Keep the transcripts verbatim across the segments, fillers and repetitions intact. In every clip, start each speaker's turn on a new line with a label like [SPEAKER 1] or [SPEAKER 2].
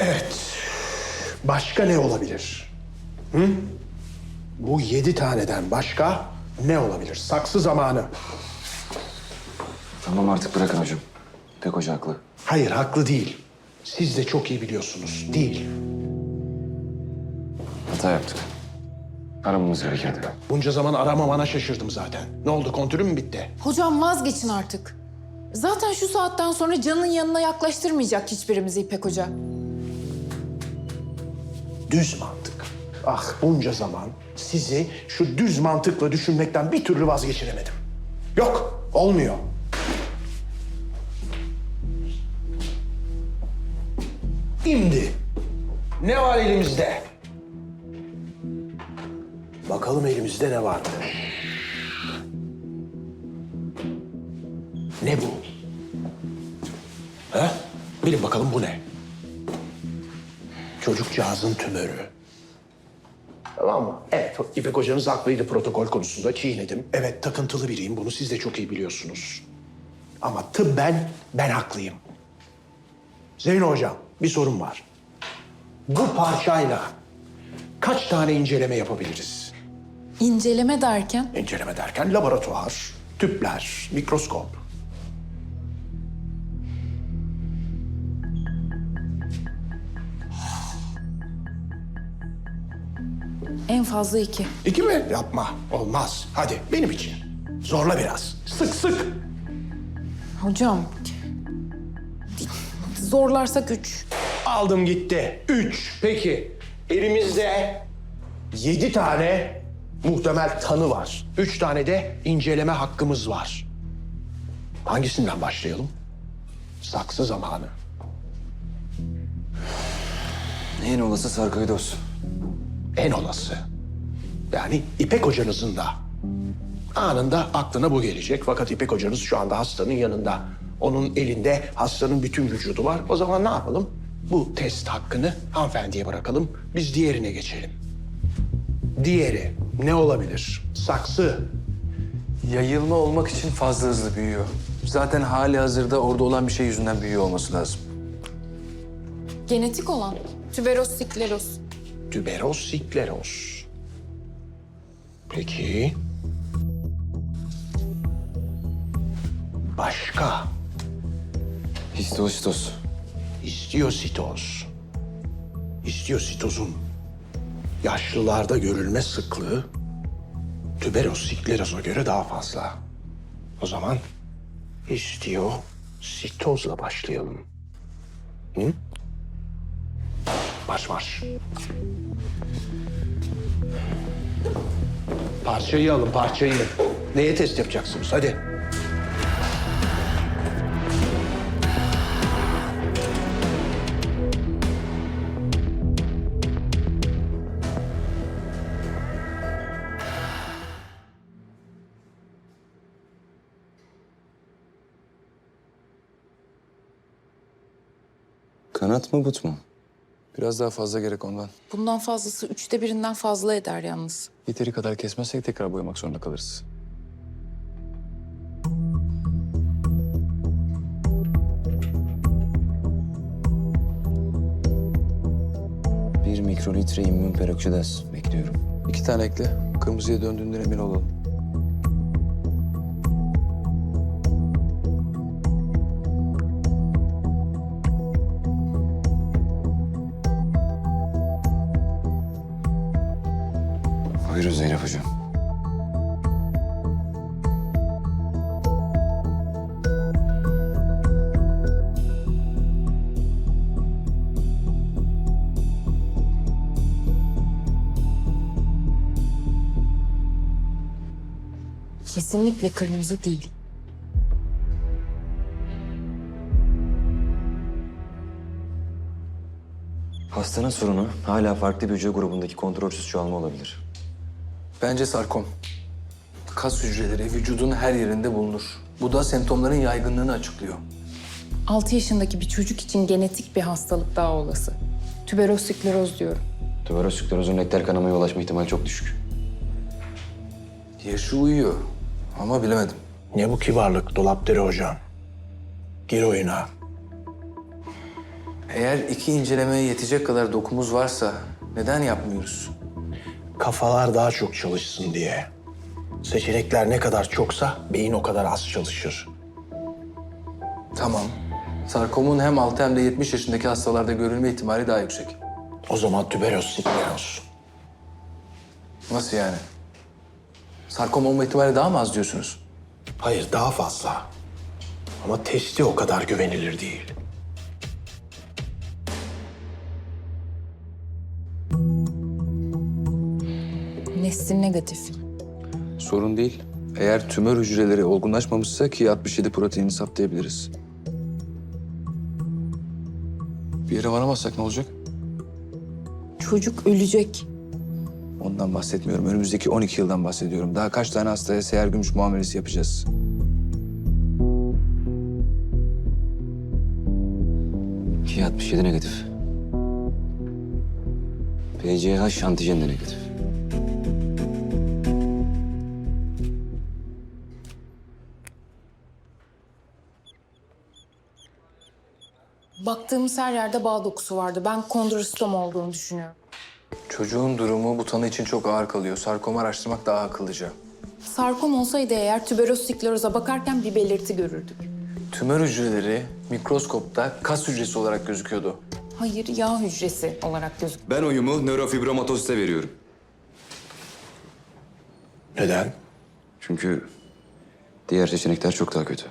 [SPEAKER 1] Evet. Başka ne olabilir? Hı? Bu yedi taneden başka ne olabilir? Saksı zamanı.
[SPEAKER 2] Tamam artık bırakın hocam. İpek Hoca haklı.
[SPEAKER 1] Hayır, haklı değil. Siz de çok iyi biliyorsunuz. Değil.
[SPEAKER 2] Hata yaptık. Aramamız gerekirdi.
[SPEAKER 1] Bunca zaman aramamana şaşırdım zaten. Ne oldu, kontürün mü bitti?
[SPEAKER 3] Hocam vazgeçin artık. Zaten şu saatten sonra Can'ın yanına yaklaştırmayacak hiçbirimizi İpek Hoca.
[SPEAKER 1] Düz mantık. Ah, bunca zaman sizi şu düz mantıkla düşünmekten bir türlü vazgeçiremedim. Yok, olmuyor. Şimdi ne var elimizde? Bakalım elimizde ne vardı? Ne bu? Ha? Bilin bakalım bu ne? Çocukcağızın tümörü. Tamam mı? Evet, İpek hocanız haklıydı protokol konusunda. Çiğnedim. Evet, takıntılı biriyim. Bunu siz de çok iyi biliyorsunuz. Ama tıbben ben haklıyım. Zeyno hocam, bir sorun var. Bu parçayla kaç tane inceleme yapabiliriz?
[SPEAKER 3] İnceleme derken?
[SPEAKER 1] İnceleme derken laboratuvar, tüpler, mikroskop.
[SPEAKER 3] En fazla iki.
[SPEAKER 1] İki mi? Yapma. Olmaz. Hadi benim için. Zorla biraz. Sık sık.
[SPEAKER 3] Hocam, zorlarsak üç.
[SPEAKER 1] Aldım gitti. Üç. Peki. Elimizde yedi tane muhtemel tanı var. Üç tane de inceleme hakkımız var. Hangisinden başlayalım? Saksı zamanı.
[SPEAKER 2] En olası sarkoidoz.
[SPEAKER 1] En olası. Yani İpek hocanızın da anında aklına bu gelecek. Fakat İpek hocanız şu anda hastanın yanında. Onun elinde hastanın bütün vücudu var. O zaman ne yapalım? Bu test hakkını hanımefendiye bırakalım. Biz diğerine geçelim. Diğeri ne olabilir? Saksı.
[SPEAKER 4] Yayılma olmak için fazla hızlı büyüyor. Zaten hali hazırda orada olan bir şey yüzünden büyüyor olması lazım.
[SPEAKER 3] Genetik olan. Tüberoz, sikleroz.
[SPEAKER 1] Tüberoz, sikleroz. Peki. Başka?
[SPEAKER 2] Histositoz.
[SPEAKER 1] İstiyositoz. İstiyositozun yaşlılarda görülme sıklığı tüberoz, sikleroza göre daha fazla. O zaman istiyositozla başlayalım. Hı? Marş marş. Parçayı alın, parçayı. Neye test yapacaksınız? Hadi.
[SPEAKER 2] Kanat mı but mu?
[SPEAKER 4] Biraz daha fazla gerek ondan.
[SPEAKER 3] Bundan fazlası üçte birinden fazla eder yalnız.
[SPEAKER 4] Yeteri kadar kesmezsek tekrar boyamak zorunda kalırız.
[SPEAKER 2] Bir mikrolitre immün peroksidaz bekliyorum.
[SPEAKER 4] İki tane ekle. Kırmızıya döndüğünden emin olalım.
[SPEAKER 2] Buyurun Zeynep Hocam.
[SPEAKER 3] Kesinlikle kırmızı değil.
[SPEAKER 2] Hastanın sorunu hala farklı bir hücre grubundaki kontrolsüz çoğalma olabilir.
[SPEAKER 4] Bence sarkom. Kas hücreleri vücudun her yerinde bulunur. Bu da semptomların yaygınlığını açıklıyor.
[SPEAKER 3] Altı yaşındaki bir çocuk için genetik bir hastalık daha olası. Tüberoz, sikleroz diyorum.
[SPEAKER 2] Tüberoz siklerozun rektal kanamaya ulaşma ihtimali çok düşük.
[SPEAKER 4] Yaşı uyuyor ama bilemedim.
[SPEAKER 1] Ne bu kibarlık Dolapdere hocam? Gir oyuna.
[SPEAKER 4] Eğer iki incelemeye yetecek kadar dokumuz varsa neden yapmıyoruz?
[SPEAKER 1] Kafalar daha çok çalışsın diye. Seçenekler ne kadar çoksa beyin o kadar az çalışır.
[SPEAKER 4] Tamam. Sarkomun hem altı hem de yetmiş yaşındaki hastalarda görülme ihtimali daha yüksek.
[SPEAKER 1] O zaman tüberoz skleroz.
[SPEAKER 4] Nasıl yani? Sarkom olma ihtimali daha mı az diyorsunuz?
[SPEAKER 1] Hayır, daha fazla. Ama testi o kadar güvenilir değil.
[SPEAKER 3] Nesli negatif.
[SPEAKER 5] Sorun değil. Eğer tümör hücreleri olgunlaşmamışsa ki altmış yedi proteinini saptayabiliriz. Bir yere varamazsak ne olacak?
[SPEAKER 3] Çocuk ölecek.
[SPEAKER 5] Ondan bahsetmiyorum. Önümüzdeki on iki yıldan bahsediyorum. Daha kaç tane hastaya seher gümüş muamelesi yapacağız?
[SPEAKER 2] Ki altmış yedi negatif. P C H antijen de negatif.
[SPEAKER 3] Baktığımız her yerde bağ dokusu vardı. Ben kondrostom olduğunu düşünüyorum.
[SPEAKER 4] Çocuğun durumu bu tanı için çok ağır kalıyor. Sarkomu araştırmak daha akıllıca.
[SPEAKER 3] Sarkom olsaydı eğer tüberoz skleroza bakarken bir belirti görürdük.
[SPEAKER 4] Tümör hücreleri mikroskopta kas hücresi olarak gözüküyordu.
[SPEAKER 3] Hayır, yağ hücresi olarak gözüküyor.
[SPEAKER 2] Ben oyumu nörofibromatozite veriyorum.
[SPEAKER 1] Neden?
[SPEAKER 2] Çünkü diğer seçenekler çok daha kötü.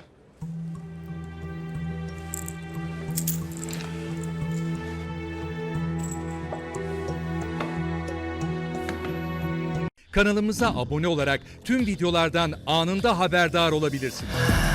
[SPEAKER 6] Kanalımıza abone olarak tüm videolardan anında haberdar olabilirsiniz.